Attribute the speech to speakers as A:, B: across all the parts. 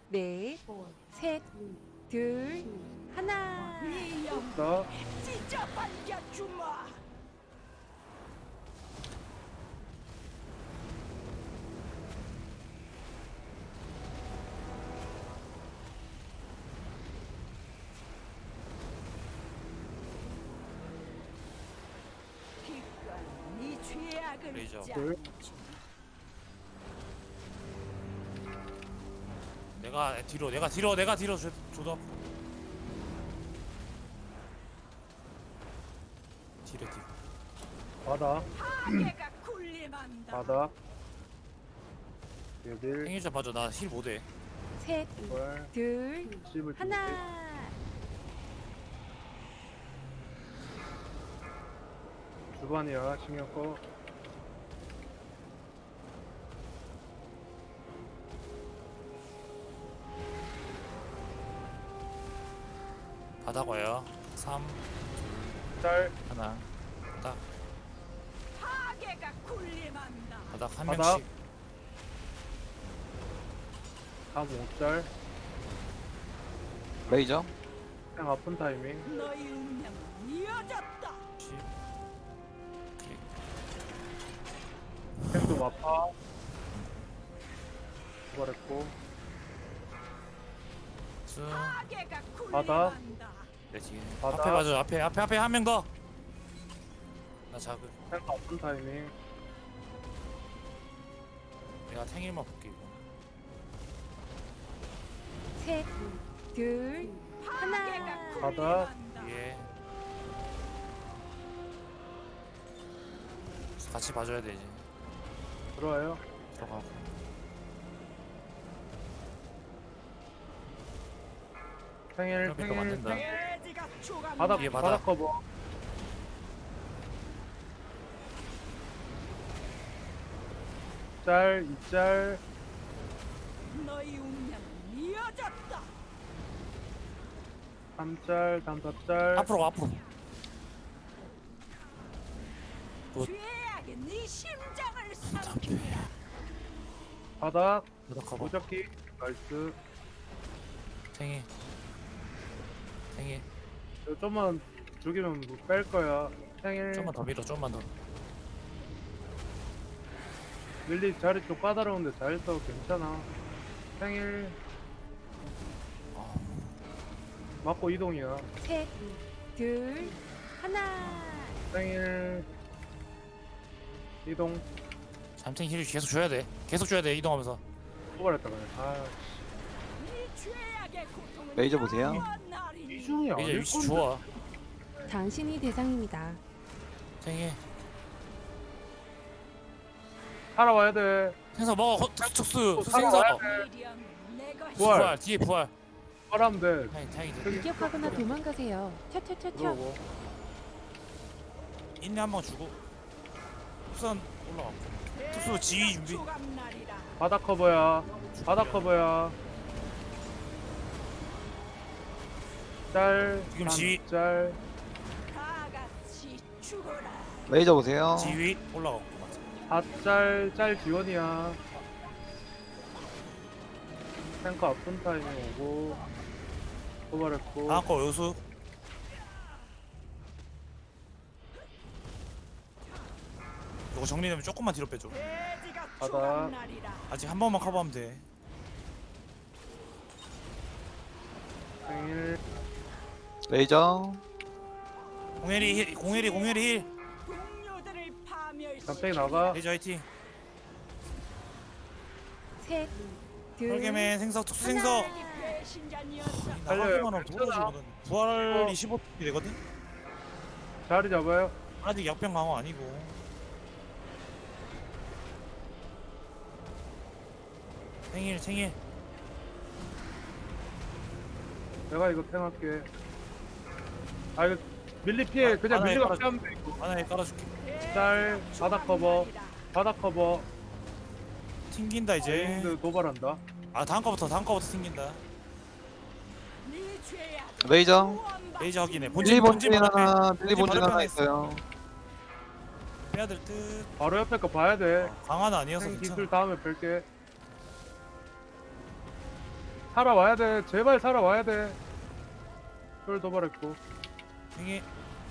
A: 넷, 셋, 둘, 하나.
B: 나
C: 진짜 반겨주마. 기꺼이 네 죄악을
D: 레이저.
B: 둘.
D: 내가 뒤로 줘도 앞으로. 뒤로.
B: 바다
C: 파괴가 군림한다.
B: 바다 얘들
D: 생일자 봐줘. 나 힐 못해.
A: 셋,
B: 월
A: 둘,
B: 씹을
A: 하나.
B: 주반이야 신경 꺼.
D: 바닥 와요. 3,
B: 짤
D: 하나. 바닥.
C: 파괴가 군림한다.
D: 바닥 한
B: 바닥.
D: 명씩.
B: 3, 5짤
E: 레이저
B: 그냥 아픈 타이밍.
C: 너희 운명은 이어졌다.
D: 10. 클릭.
B: 캔도 마파 도발했고
D: 쭉.
C: 파괴가
B: 바다.
C: 군림한다.
D: 네, 지금.
B: 바닥.
D: 앞에 봐줘. 앞에 한 명 더. 나 작은.
B: 그냥 아픈 타이밍.
D: 내가 탱일만 볼게 이거.
A: 셋, 둘,
C: 파괴가
A: 하나.
B: 바다.
C: 군림한다.
D: 예. 같이 봐줘야 되지.
B: 들어와요.
D: 들어가고.
B: 생일
D: 그러니까 맞는다.
C: 돼지가 죽었다.
B: 바닥
D: 뒤에
B: 바닥
D: 바닥.
B: 커버. 짤 2짤
C: 너희 운명은 이어졌다.
B: 3짤 3짤
D: 앞으로 가, 앞으로. 굿.
C: 죄악이 네 심장을 삼킨다.
B: 바닥
D: 바닥 커버.
B: 무적기 나이스.
D: 탱이.
B: 이거 좀만 죽이면 뺄 거야. 생일
D: 좀만 더 밀어. 좀만 더.
B: 밀리 자리 좀 까다로운데 잘 써. 괜찮아. 생일
D: 아,
B: 맞고 이동이야.
A: 셋, 둘, 하나.
B: 생일 이동
D: 잠탱 힐 계속 줘야 돼. 계속 줘야 돼. 이동하면서.
B: 도발했다 그냥. 아
C: 네 죄악의 고통은
E: 레이저 보세요.
C: 영원하리니.
B: 이중이
D: 이제
B: 아닐
D: 위치
B: 건데.
D: 좋아.
A: 당신이 대상입니다.
D: 탱이.
B: 살아와야 돼.
D: 생서 먹어. 툭툭스.
B: 살아와야
D: 생서.
B: 돼.
C: 미련 내가
B: 부활.
D: 부활. 뒤에 부활.
B: 살아면 돼.
D: 탱이.
A: 공격하거나 도망가세요. 튀튀튀튀.
B: 들어오고.
D: 인내 한 번 주고. 우선 올라가. 특수 지휘 준비.
C: 조감날이라.
B: 바닥 커버야. 바닥 커버야. 짤.
D: 지금 지휘.
B: 짤.
C: 다 같이 죽어라.
E: 레이저 보세요.
D: 지휘 올라가고. 맞아.
B: 4짤. 짤 지원이야. 탱커 아픈 타이밍 오고. 도발했고.
D: 다음 거 요수. 이거 정리되면 조금만 뒤로 빼줘.
C: 돼지가
B: 바다.
C: 조감날이라.
D: 아직 한 번만 커버하면 돼.
B: 생일
E: 레이저
D: 공혜리 힐.
C: 동료들을 파멸시켜.
B: 갑자기 나가.
D: 레이저 화이팅.
A: 셋, 둘,
D: 혈계맨 생석 특수 생석.
C: 배신자니었어.
B: 달려요.
D: 나가기만 하면
B: 괜찮아.
D: 돌아주거든. 부활이 15이 되거든.
B: 자리 잡아요.
D: 아직 약병 강화 아니고. 생일.
B: 내가 이거 탱할게. 아 이거 밀리 피해. 그냥
D: 바닥에
B: 밀리가
D: 깔아줘.
B: 피하면 돼 이거.
D: 하나에 깔아줄게.
B: 짤. 바닥 커버. 바닥 커버.
D: 튕긴다 이제.
B: 근데 도발한다.
D: 아 다음 거부터 튕긴다.
C: 네 죄악.
E: 레이저
D: 레이저 확인해.
E: 빌리 본진
D: 앞에.
E: 하나 빌리 본진
D: 바로
E: 하나
D: 편에
E: 있어요.
D: 빼야 될 듯.
B: 바로 옆에 거 봐야 돼.
D: 강화는 아니어서
B: 탱
D: 괜찮아.
B: 기술 다음에 뺄게. 살아와야 돼. 제발 살아와야 돼. 쫄 도발했고.
D: 행해.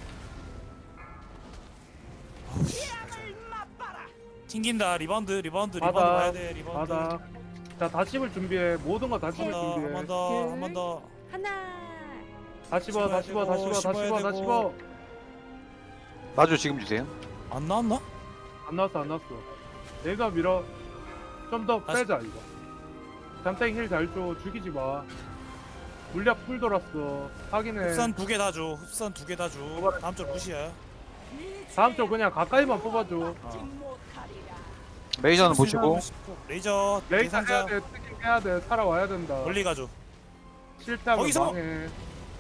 C: 재앙을 맛봐라.
D: 튕긴다. 리바운드
B: 받아.
D: 봐야 돼. 리바운드.
B: 받아. 자, 다 씹을 준비해. 모든 거 다 씹을
D: 한
B: 준비해.
D: 번 더, 한 번 더.
A: 하나.
B: 다 씹어, 다 씹어, 다 씹어, 다 씹어, 다 씹어.
E: 마주 지금 주세요.
D: 안 나왔나?
B: 안 나왔어, 안 나왔어. 내가 밀어. 좀 더
D: 다시-
B: 빼자, 이거. 잠땡 힐 잘 줘. 죽이지 마. 물약 풀 돌았어. 확인해.
D: 흡선 2개 다 줘. 흡선 2개 다 줘. 다음 줄 무시야.
C: 네
B: 다음 쪽
C: 죄악을
B: 그냥 가까이만 뽑아줘.
C: 막지 못하리라.
E: 레이저는 보시고.
D: 레이저
B: 레이저 해야
D: 대상자
B: 돼. 특임 해야 돼. 살아와야 된다.
D: 멀리 가줘.
B: 실패하면
D: 거기서!
B: 망해.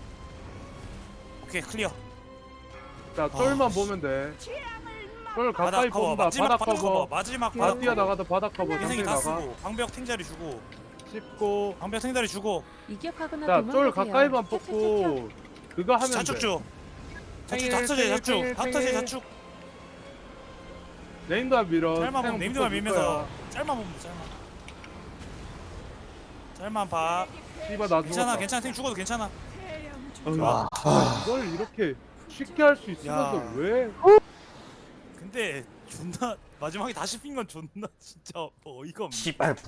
D: 오케이 클리어.
B: 자, 쫄만 보면 돼.
C: 재앙을
B: 쫄
D: 바닥
B: 가까이
D: 커버.
B: 뽑는다.
D: 마지막
B: 바닥
D: 바닥 커버.
B: 커버.
D: 마지막
A: 그-
B: 바닥
D: 바닥
B: 뛰어나가다 바닥 커버.
D: 인생이
B: 잠땡
D: 다
B: 나가.
D: 쓰고 방벽 탱자리 주고
B: 씹고.
D: 방벽 탱자리 주고
A: 이격하거나
B: 자,
A: 도망가세요.
B: 쫄 가까이만
A: 켜, 켜, 켜, 켜.
B: 뽑고. 그거 하면
D: 자축
B: 돼.
D: 줘.
B: 탱일,
D: 자축 닥터제
B: 탱일,
D: 자축.
B: 탱일,
D: 닥터제
B: 탱일.
D: 자축.
B: 네임드만 밀어.
D: 짤만 보면
B: 탱
D: 네임드만
B: 붙어줄
D: 밀면서
B: 거야.
D: 짤만 보면 돼, 짤만 봐.
B: 씨발 나
D: 괜찮아
B: 죽었다.
D: 괜찮아 탱 죽어도 괜찮아.
C: 태양 중
B: 아, 이걸 이렇게 쉽게 할 수 있으면서
D: 야.
B: 왜?
D: 근데 존나 마지막에 다시 핀 건 존나 진짜 어이가 없네.
F: 씨발